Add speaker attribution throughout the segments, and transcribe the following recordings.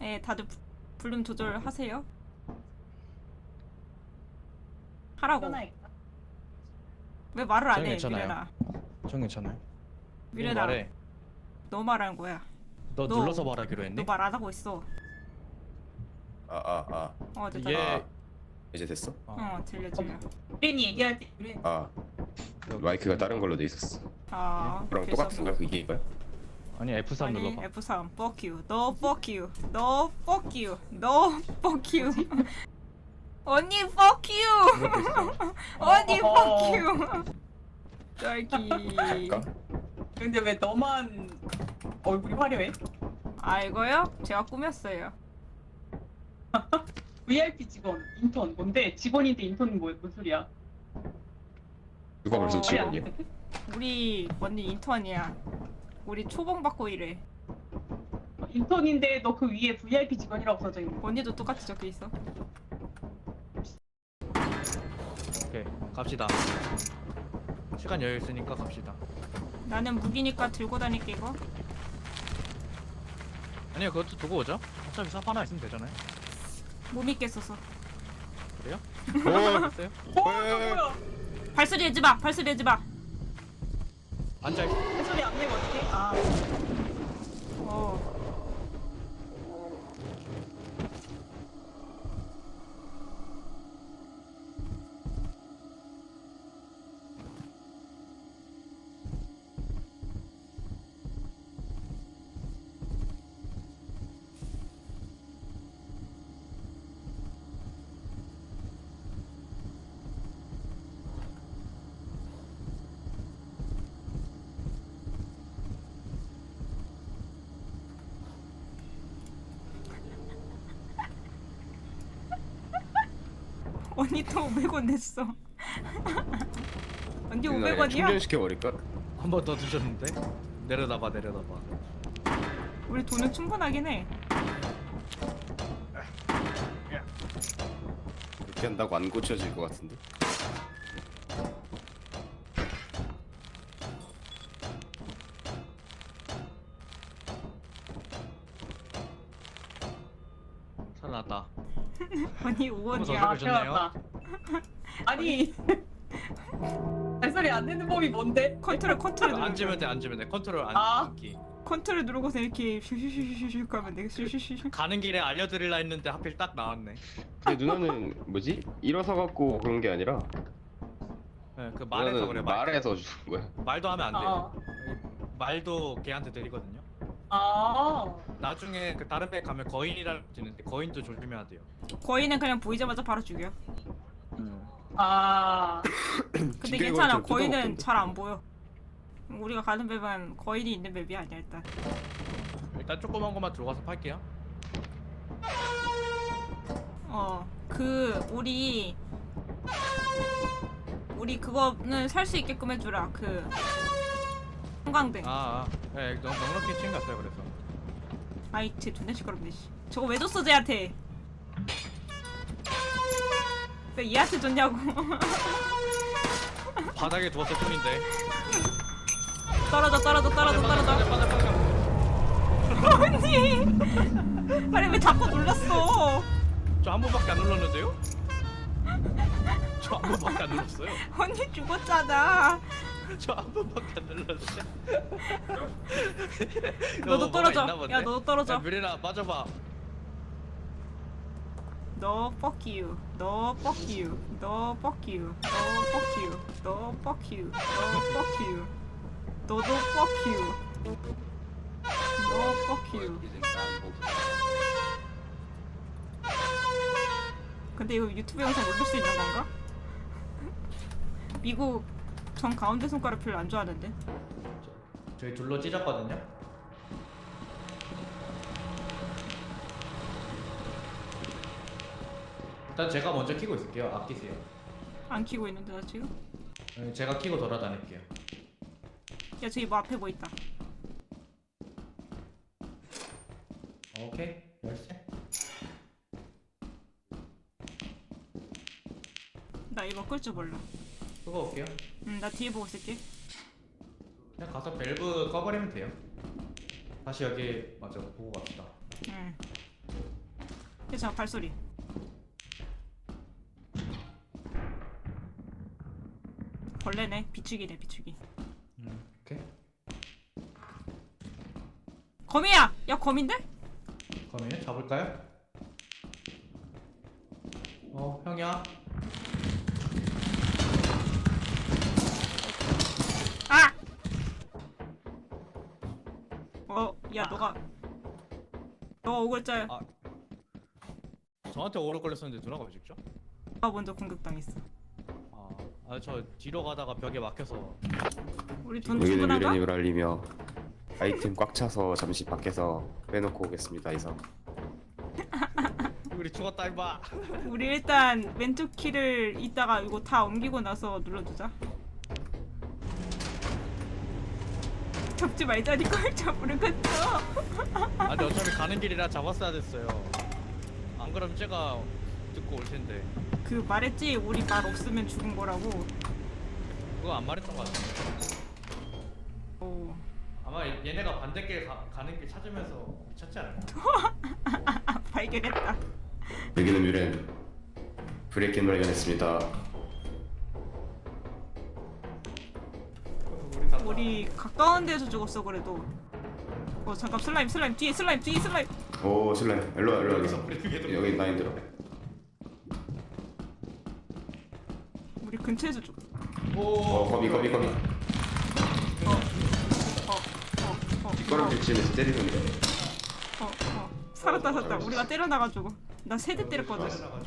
Speaker 1: 네, 다들 볼륨 조절하세요. 하라고.
Speaker 2: 편하니까.
Speaker 1: 왜 말을 안
Speaker 3: 저는
Speaker 1: 해,
Speaker 3: 괜찮아요.
Speaker 1: 미래나.
Speaker 3: 전 괜찮아요.
Speaker 1: 미래나.
Speaker 3: 말해.
Speaker 1: 너 말하는 거야.
Speaker 3: 너 눌러서 말하기로 했니?
Speaker 1: 너 말 안 하고 있어. 됐다.
Speaker 3: 얘
Speaker 4: 이제 됐어?
Speaker 1: 들려 들려.
Speaker 2: 유린이 얘기할 때 유린.
Speaker 4: 마이크가 다른 걸로 돼 있었어. 그럼 똑같은가 그게 이거야?
Speaker 3: 아니 F3
Speaker 1: 아니
Speaker 3: 눌러봐.
Speaker 1: F3 fuck you. No fuck you. No fuck you. No fuck you. 언니 fuck you.
Speaker 3: 이것도 있어.
Speaker 1: 언니 fuck you. 딸기.
Speaker 4: 갈까?
Speaker 2: 근데 왜 너만 얼굴이 화려해?
Speaker 1: 아 이거요? 제가 꾸몄어요.
Speaker 2: VIP 직원, 인턴 뭔데? 직원인데 인턴은 뭔 소리야?
Speaker 4: 누가 벌써
Speaker 1: 어,
Speaker 4: 직원이야?
Speaker 1: 우리 언니 인턴이야. 우리 초봉 받고 일해.
Speaker 2: 인턴인데 너 그 위에 VIP 직원이라고 써져 있는 거.
Speaker 1: 언니도 똑같이 적혀 있어.
Speaker 3: 오케이 갑시다. 시간 여유 있으니까 갑시다.
Speaker 1: 나는 무기니까 들고 다닐게 이거.
Speaker 3: 아니요 그것도 두고 오죠. 어차피 삽 하나 있으면 되잖아요.
Speaker 1: 못 믿겠어서.
Speaker 3: 그래요?
Speaker 4: 오!
Speaker 3: 됐어요?
Speaker 2: 뭐야?
Speaker 1: 발소리 내지 마. 발소리 내지 마.
Speaker 3: 앉아 있어.
Speaker 2: 그 소리 안 내면 어떡해?
Speaker 1: 어. 언니 또 500원 냈어. 언니 500원이야?
Speaker 4: 충전시켜버릴까?
Speaker 3: 한 번 더 드셨는데? 내려다봐 내려다봐.
Speaker 1: 우리 돈은 충분하긴 해.
Speaker 4: 이렇게 한다고 안 고쳐질 것 같은데?
Speaker 3: 살아났다.
Speaker 1: 언니
Speaker 3: 더
Speaker 1: 5원이야.
Speaker 3: 아, 좋네요.
Speaker 2: 태어났다. 아니 발소리 안 내는 법이 뭔데?
Speaker 1: 컨트롤 누르고.
Speaker 3: 앉으면 돼 앉으면 돼. 컨트롤
Speaker 2: 아.
Speaker 3: 앉기.
Speaker 1: 컨트롤 누르고서 이렇게 슈슈슈슈슈 하면 돼. 슈슈슈슈.
Speaker 3: 가는 길에 알려드릴라 했는데 하필 딱 나왔네.
Speaker 4: 근데 누나는 뭐지? 일어서 갖고 그런 게 아니라
Speaker 3: 네, 그 말해서
Speaker 4: 누나는
Speaker 3: 그래.
Speaker 4: 말해서 주는 거야.
Speaker 3: 말도 하면 안 돼요. 말도 걔한테 드리거든요. 나중에 그 다른 배 가면 거인이라는 게 있는데 거인도 조심해야 돼요.
Speaker 1: 거인은 그냥 보이자마자 바로 죽여. 근데
Speaker 4: 징계가
Speaker 1: 괜찮아.
Speaker 4: 좀
Speaker 1: 거인은
Speaker 4: 뜯어먹던데.
Speaker 1: 잘 안 보여. 우리가 가는 맵은 거인이 있는 맵이 아니야 일단.
Speaker 3: 일단 조그만 것만 들어가서 팔게요.
Speaker 1: 우리 그거는 살 수 있게끔 해주라. 그 형광등.
Speaker 3: 네, 넉넉히 챙겼어요 그래서.
Speaker 1: 아이 쟤 존나 시끄럽네 씨. 저거 왜 줬어 쟤한테? 왜 얘한테 줬냐고.
Speaker 3: 바닥에 두었을 뿐인데.
Speaker 1: 떨어져. 언니. 아니 왜 자꾸 눌렀어?
Speaker 3: 저 한 번밖에 안 눌렀는데요? 저 한 번밖에 안 눌렀어요.
Speaker 1: 언니 죽었잖아.
Speaker 3: 저 한 번밖에 안 눌렀어요.
Speaker 1: 너도 떨어져. 야 너도 떨어져.
Speaker 3: 야, 미래나 맞아봐.
Speaker 1: No fuck you. No fuck you. No fuck you. No fuck you. No fuck you. No fuck you. 너도 fuck you. No fuck you. 근데 이거 유튜브 영상 올릴 수 있는 건가? 미국 전 가운데 손가락 별로 안 좋아하는데.
Speaker 3: 저희 둘로 찢었거든요. 일단 제가 먼저 키고 있을게요. 아끼세요.
Speaker 1: 안 키고 있는데 나 지금?
Speaker 3: 제가 키고 돌아다닐게요.
Speaker 1: 야 저기 뭐 앞에 뭐 있다.
Speaker 3: 오케이. 열쇠.
Speaker 1: 나 이거 끌 줄 몰라.
Speaker 3: 끄고 올게요.
Speaker 1: 나 뒤에 보고 있을게.
Speaker 3: 그냥 가서 밸브 꺼버리면 돼요. 다시 여기 맞아 보고 갑시다.
Speaker 1: 응. 괜찮아 발소리. 벌레네. 비추기네 비추기.
Speaker 5: 오케이.
Speaker 1: 거미야. 야 거미인데?
Speaker 5: 거미 잡을까요? 형이야.
Speaker 1: 아! 야 너가 오글자야.
Speaker 3: 아. 저한테 오래 걸렸었는데 누나가 왜 죽죠?
Speaker 1: 너가 먼저 공격당했어.
Speaker 3: 저 뒤로 가다가 벽에 막혀서.
Speaker 1: 우리 돈
Speaker 4: 여기는
Speaker 1: 충분한가?
Speaker 4: 미래님을 알리며 아이템 꽉 차서 잠시 밖에서 빼놓고 오겠습니다. 이상.
Speaker 3: 우리 죽었다 임마.
Speaker 1: 우리 일단 왼쪽 키를 이따가 이거 다 옮기고 나서 눌러주자. 잡지 말자니까 잡으러 갔어.
Speaker 3: 근데 어차피 가는 길이라 잡았어야 됐어요. 안 그럼 제가 듣고 올 텐데.
Speaker 1: 그 말했지 우리 말 없으면 죽은 거라고.
Speaker 3: 그거 안 말했던 것 같은데.
Speaker 1: 오.
Speaker 3: 아마 얘네가 반대길 가는 길 찾으면서 미쳤지 않을까?
Speaker 1: 발견했다.
Speaker 4: 여기는 미래님. 브레이킹 발견했습니다.
Speaker 1: 우리 가까운 데서 죽었어 그래도. 잠깐 슬라임 뒤에 슬라임.
Speaker 4: 오 슬라임. 일로와
Speaker 3: 여기서 브레이킹
Speaker 4: 여기 나 힘들어.
Speaker 1: 우리 근처에서 죽.
Speaker 4: 거미. 뒷걸음질 치면서 때리는데.
Speaker 1: 살았다. 우리가 때려나가지고. 나 세대 때렸거든.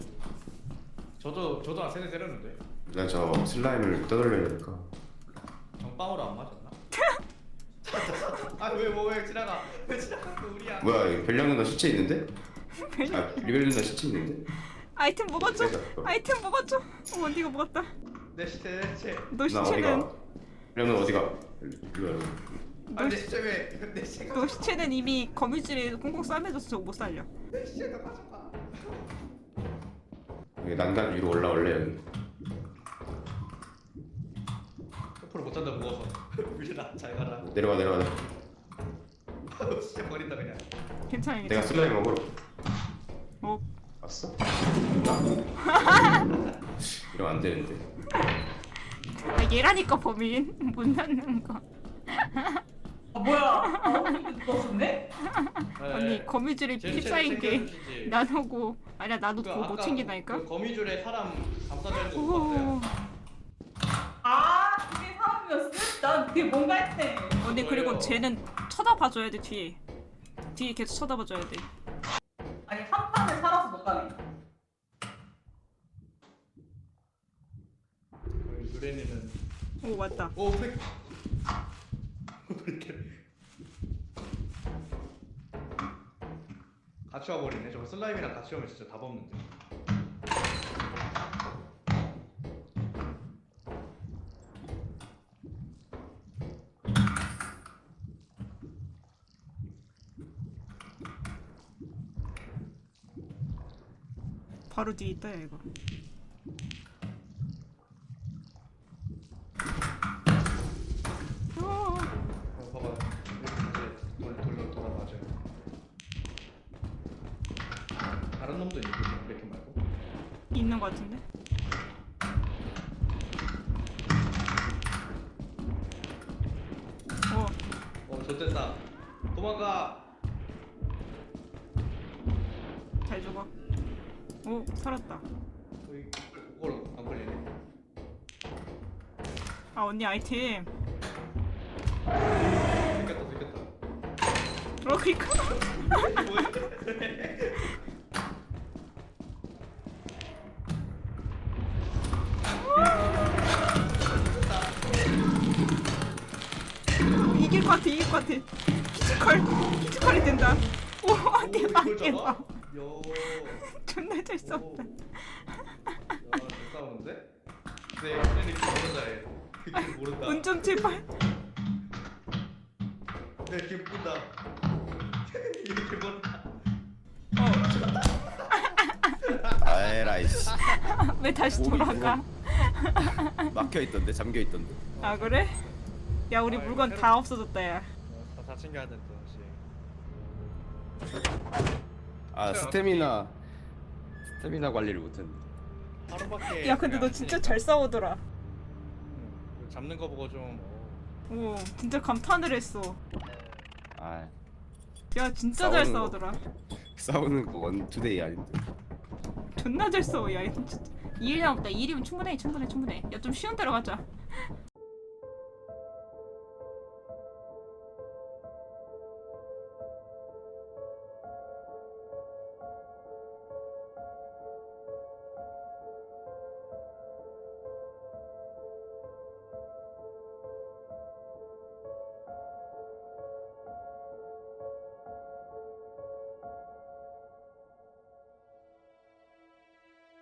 Speaker 3: 저도 한 세대 때렸는데.
Speaker 4: 나 저 슬라임을 떠돌려니까.
Speaker 3: 정빵으로 안 맞았나? 왜 지나가? 왜 지나가? 우리야.
Speaker 4: 뭐야 별량 누나 시체 있는데? 리벨 누나 시체 있는데?
Speaker 1: 아이템 먹어줘.
Speaker 4: 그러니까.
Speaker 1: 아이템 먹어줘. 네가 먹었다.
Speaker 3: 내 시체.
Speaker 1: 너
Speaker 4: 나
Speaker 1: 시체는
Speaker 4: 어디가? 별량 누나 어디가? 일로와.
Speaker 3: 내 시체 왜? 내 시체가.
Speaker 1: 너 시체는 이미 거미줄에 꽁꽁 싸매져서 저거 못 살려.
Speaker 3: 내 시체가 가져가.
Speaker 4: 여기 난간 위로 올라올래 여기.
Speaker 3: 옆으로 못 잔다 무거워서. 유진아 잘 가라.
Speaker 4: 내려와.
Speaker 3: 시체 버린다 그냥.
Speaker 1: 괜찮아.
Speaker 4: 내가 슬라임 먹으러 왔어? 이러면 안 되는데.
Speaker 1: 얘라니까 범인 못 낳는 거.
Speaker 2: 뭐야? 언니 죽었었네?
Speaker 1: 언니 거미줄에 피 쌓인 게 나누고 아니야 나도 그거 못 챙긴다니까.
Speaker 3: 그 거미줄에 사람 감싸져 있는 거
Speaker 1: 오.
Speaker 3: 봤어요.
Speaker 2: 그게 사람이었어? 난 그게 뭔가 했네.
Speaker 1: 언니 그리고 쟤는 쳐다봐줘야 돼 뒤에 계속 쳐다봐줘야 돼.
Speaker 2: 아니 한 판을 살아서 못 가네.
Speaker 3: 유래니는
Speaker 1: 오 맞다.
Speaker 3: 오 팩. 같이 와버리네. 저거 슬라임이랑 같이 오면 진짜 답 없는데.
Speaker 1: 바로 뒤에 있다 야 이거.
Speaker 3: 봐봐. 이렇게 돌아 맞아요. 다른 놈도 있고 이렇게 말고.
Speaker 1: 있는 거 같은데?
Speaker 3: 좋됐다. 도망가.
Speaker 1: 잘 죽어. 오 살았다.
Speaker 3: 그걸 안 걸리네.
Speaker 1: 언니 아이템.
Speaker 3: 생겼다.
Speaker 1: 그니까. 이길 것 같아. 피지컬이 된다. 오 대박.
Speaker 3: 요.
Speaker 1: 존나 잘 싸웠다.
Speaker 3: 잘 싸우는데? 네, 이렇게 모른다 얘. 이렇게 모른다.
Speaker 1: 운 좀 제발.
Speaker 3: 네, 이렇게 모른다. 이렇게 모른다.
Speaker 4: 아에라이씨.
Speaker 1: 왜 다시 돌아가?
Speaker 4: 막혀있던데 잠겨있던데.
Speaker 1: 아 그래? 야 우리 물건 다 없어졌다 야.
Speaker 3: 다 챙겨야 된다 다시.
Speaker 4: 아 스태미나 스태미나 관리를 못했네.
Speaker 3: 하루밖에.
Speaker 1: 야 근데 너 진짜 잘 싸우더라.
Speaker 3: 잡는 거 보고 좀.
Speaker 1: 오 진짜 감탄을 했어.
Speaker 4: 아
Speaker 1: 야 진짜 잘
Speaker 4: 싸우는 거.
Speaker 1: 싸우더라.
Speaker 4: 싸우는 거 원투데이 아닌데.
Speaker 1: 존나 잘 싸워. 야 진짜 2일 남았다. 2일이면 충분해. 야 좀 쉬운 데로 가자.